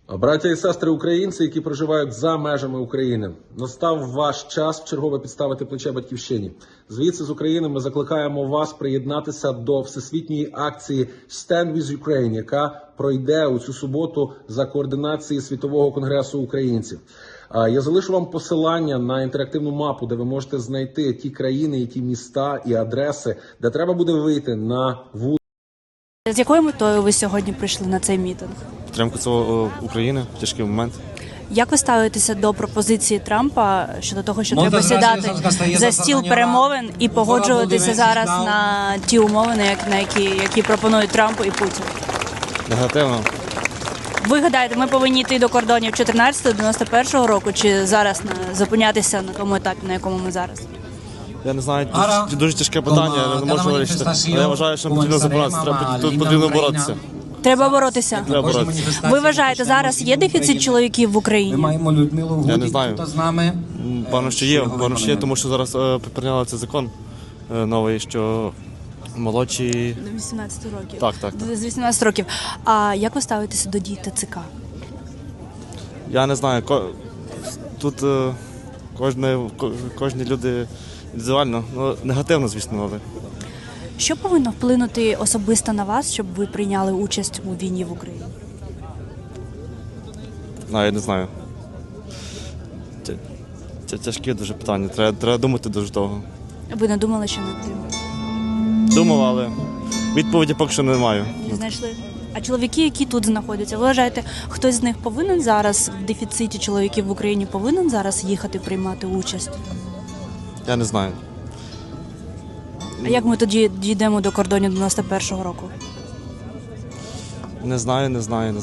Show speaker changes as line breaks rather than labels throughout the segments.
Браття і сестри українці, які проживають за межами України, настав ваш час вчергове підставити плече батьківщині. Звідси з України ми закликаємо вас приєднатися до всесвітньої акції «Stand with Ukraine», яка пройде у цю суботу за координації Світового конгресу українців. Я залишу вам посилання на інтерактивну мапу, де ви можете знайти ті країни, і ті міста і адреси, де треба буде вийти на вулицю.
З якою метою ви сьогодні прийшли на цей мітинг?
Підтримку цього України в тяжкий момент.
Як ви ставитеся до пропозиції Трампа щодо того, що треба сідати за стіл перемовин і погоджуватися зараз на ті умови, які пропонують Трамп і Путін?
Негативно.
Ви гадаєте, ми повинні йти до кордонів 14-91 року чи зараз зупинятися на тому етапі, на якому ми зараз?
Я не знаю, дуже тяжке питання, я не можу вирішити. Але я вважаю, що потрібно забиратися, тут потрібно боротися.
Треба боротися?
Треба боротися.
Ви вважаєте, зараз є дефіцит чоловіків в Україні?
Я не знаю. Певно, що є, тому що зараз прийняли цей закон новий, що молодші...
До 18 років.
Так.
З 18 років. А як ви ставитеся до дій ТЦК?
Я не знаю, тут кожні люди індивідуально, негативно, звісно, але...
Що повинно вплинути особисто на вас, щоб ви прийняли участь у війні в Україні?
Я не знаю. Це тяжке дуже питання, треба думати дуже довго.
Ви не думали, що не потрібно?
Думав, але відповіді поки що не маю.
Не знайшли? А чоловіки, які тут знаходяться, ви вважаєте, хтось з них повинен зараз, в дефіциті чоловіків в Україні, повинен зараз їхати приймати участь?
Я не знаю.
А як ми тоді дійдемо до кордонів 91-го року?
Не знаю.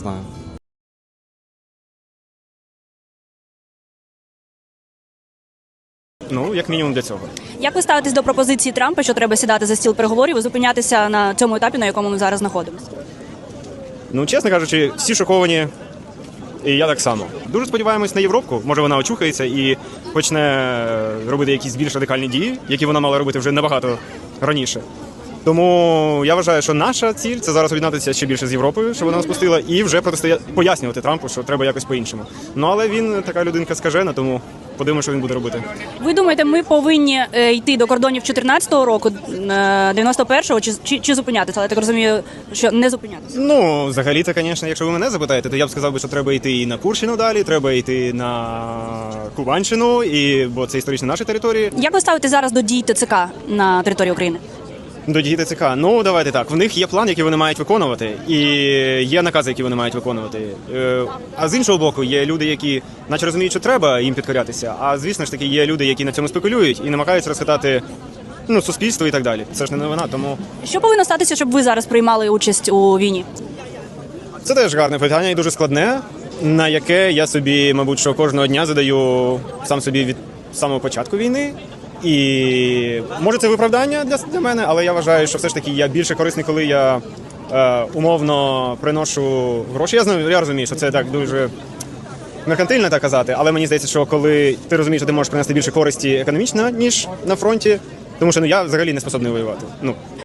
Як мінімум для цього.
Як ви ставитесь до пропозиції Трампа, що треба сідати за стіл переговорів і зупинятися на цьому етапі, на якому ми зараз знаходимося?
Чесно кажучи, всі шоковані, і я так само. Дуже сподіваємось на Європу, може вона очухається і почне робити якісь більш радикальні дії, які вона мала робити вже набагато раніше. Тому я вважаю, що наша ціль – це зараз об'єднатися ще більше з Європою, щоб вона нас пустила, і вже пояснювати Трампу, що треба якось по-іншому. Але він така людинка скажена, тому подивимося, що він буде робити.
Ви думаєте, ми повинні йти до кордонів 14-го року, 91-го, чи зупинятися? Але я так розумію, що не зупинятися.
Взагалі-то, звісно, якщо ви мене запитаєте, то я б сказав, що треба йти і на Курщину далі, треба йти на Кубанщину, бо це історично наші території.
Як ви ставите зараз до дій ТЦК на території України?
До дій ТЦК. Давайте так. В них є план, який вони мають виконувати, і є накази, які вони мають виконувати. А з іншого боку, є люди, які наче розуміють, що треба їм підкорятися, а звісно ж таки є люди, які на цьому спекулюють і намагаються розхитати суспільство і так далі. Це ж не новина, тому...
Що повинно статися, щоб ви зараз приймали участь у війні?
Це теж гарне питання і дуже складне, на яке я собі, мабуть, що кожного дня задаю сам собі від самого початку війни. І може це виправдання для мене, але я вважаю, що все ж таки я більше корисний, коли я умовно приношу гроші. Я розумію, що це так дуже меркантильно так казати, але мені здається, що коли ти розумієш, що ти можеш принести більше користі економічно, ніж на фронті, тому що я взагалі не способний воювати.